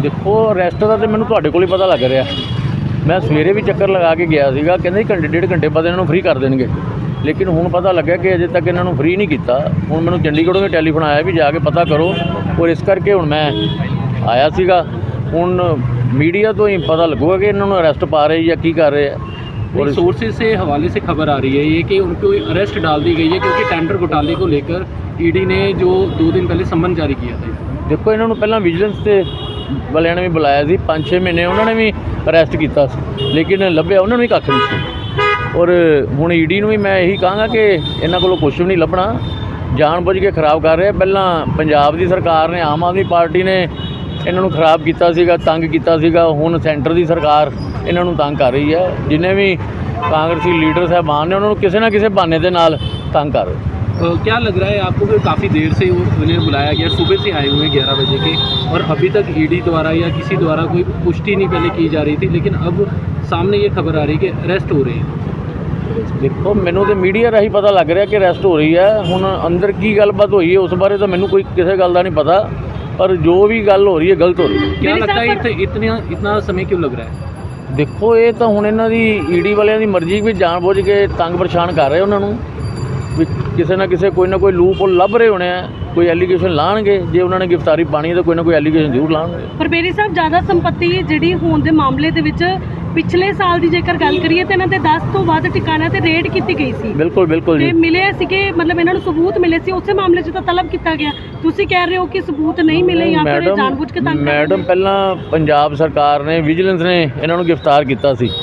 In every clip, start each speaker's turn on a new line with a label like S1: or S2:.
S1: देखो अरैसट का तो मैंने तुहाडे कोल ही पता लग रहा। मैं सवेरे भी चक्कर लगा के गया सीगा, कहंदे घंटे डेढ़ घंटे बाद इन्हों फ्री कर देंगे, लेकिन हुण पता लग्या कि अजे तक इन्हों फ्री नहीं किया। हुण मैनूं चंडीगढ़ों भी टैलीफोन आया भी जाके पता करो, और इस करके हुण मैं आया सीगा। हुण मीडिया तो ही पता लगूगा कि इन्होंने अरैसट पा रहे या की कर रहे हैं।
S2: और सोर्सेज से हवाले से खबर आ रही है ये कि उनको अरेस्ट डाल दी गई है क्योंकि टेंडर घोटाले को लेकर ईडी ने जो 2 दिन पहले सम्मन जारी किया था।
S1: देखो इन्होंने पहला विजिलेंस से वालियां ने भी बुलाया सी, 5-6 महीने उन्होंने भी अरैसट किया, लेकिन लभ्या उन्होंने भी कख नहीं सी। और हुण ईडी नूं भी मैं यही कहांगा कि इन्हां कोलों कुछ भी नहीं लभना, जानबुझ के खराब कर रहे। पहला पंजाब की सरकार ने, आम आदमी पार्टी ने इन्हों खराब किया सीगा, तंग किया सीगा। हुण सेंटर की सरकार इन्हों तंग कर रही है। जिन्हें भी कांग्रेसी लीडर साहबान ने उन्होंने किसी ना किसी बहाने के नाल तंग कर रहे।
S2: क्या लग रहा है आपको कि काफ़ी देर से उन्हें बुलाया गया, सुबह से आए हुए 11 बजे के, और अभी तक ईडी द्वारा या किसी द्वारा कोई पुष्टि नहीं पहले की जा रही थी, लेकिन अब सामने ये खबर आ रही है कि अरेस्ट हो रहे हैं।
S1: देखो मैनू तो मीडिया राही पता लग रहा कि अरैसट हो रही है। हुण अंदर की गलबात हुई है उस बारे तो मैनू कोई किसी गल का नहीं पता, पर जो भी गल हो रही है गलत हो रही है।
S2: क्या लगता है इतना समय क्यों लग रहा है?
S1: देखो ये तो हुण इन्हां दी ईडी वालियां दी मर्जी भी जानबुझ के तंग परेशान कर रहे उन्होंने भी, किसी ना किसी कोई ना कोई लूप होल लभ रहे होने हैं, कोई एलीगेशन लाणगे। जे उन्होंने गिरफ्तारी पानी है तो कोई ना कोई एलीगेशन जरूर लाणगे।
S3: पर बेरी साहब ज़्यादा संपत्ति जिहड़ी होण दे मामले दे विच पिछले साल की जेकर गल करिए तो इन्हां दे 10 तो वध ठिकाणिਆਂ ते रेड की गई सी।
S1: बिल्कुल बिल्कुल जी,
S3: मिले सी कि मतलब इन्हां नूं सबूत मिले सी, उस मामले 'ਚ तो तलब किया गया। तुसीं कह रहे हो कि सबूत नहीं मिले या फिर जानबूझ के तंग कर रहे?
S1: मैडम पहला पंजाब सरकार ने विजिलेंस ने इन्हां नूं गिरफ्तार किया सी,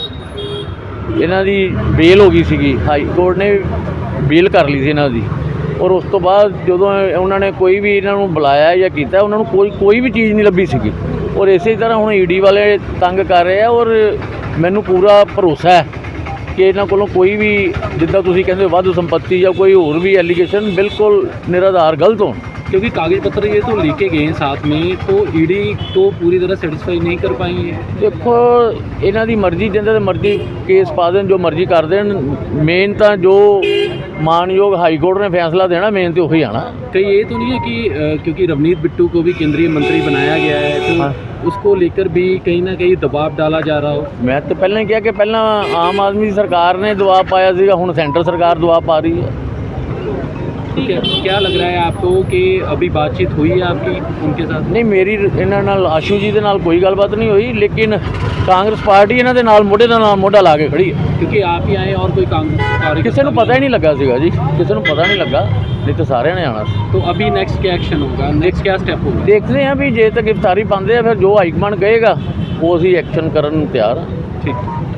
S1: इन्हां दी बेल हो गई सी, हाई कोर्ट ने बेल कर ली सी इन्हां दी। और उस तो बाद जदों उन्होंने कोई भी इन्हां नूं बुलाया या किया, उन्होंने कोई भी चीज़ नहीं लभी सी। और इस तरह हुण ईडी वाले तंग कर रहे हैं। और मैनू पूरा भरोसा है कि इन्हां कोलों कोई भी जिद्दां तुसीं कहंदे हो वाधू संपत्ति या कोई होर भी एलीगेशन बिल्कुल निराधार गलत हो,
S2: क्योंकि कागज पत्र ये तो लेके गए हैं साथ में, तो ईडी तो पूरी तरह सेटिस्फाई नहीं कर पाई है।
S1: देखो इन्हां दी मर्जी, जिंदे ते मर्जी केस पा देन, जो मर्जी कर देन। मेन तो जो मानयोग हाई कोर्ट ने फैसला देना, मेन तो वही आना।
S2: कहीं ये तो नहीं है कि क्योंकि रवनीत बिट्टू को भी केंद्रीय मंत्री बनाया गया है, तो
S1: हाँ।
S2: उसको लेकर भी कहीं ना कहीं दबाव डाला जा रहा हो?
S1: मैं तो पहले कहा कि पहला आम आदमी सरकार ने दबाव पाया सीगा, हुण सेंटर सरकार दबाव पा रही है।
S2: ठीक है, क्या लग रहा है आपको कि अभी बातचीत हुई है आपकी उनके साथ?
S1: नहीं, मेरी इन्हां नाल आशू जी दे नाल कोई गलबात नहीं हुई, लेकिन कांग्रेस पार्टी इन्हां दे नाल मोढे दा नाल मोढा ला के खड़ी है।
S2: क्योंकि आप ही आए और कोई कांग्रेस
S1: किसी को पता ही नहीं लगा सीगा जी, किसी को पता नहीं लगा, नहीं तो सारे ने आना सी।
S2: तो अभी नेक्स्ट क्या एक्शन होगा, नेक्स्ट क्या स्टेप होगा?
S1: देखते हैं भी जे तक गिरफ्तारी पाते हैं, फिर जो हाईकमान कहेगा वो असीं एक्शन करन नूं तैयार हाँ।
S2: ठीक।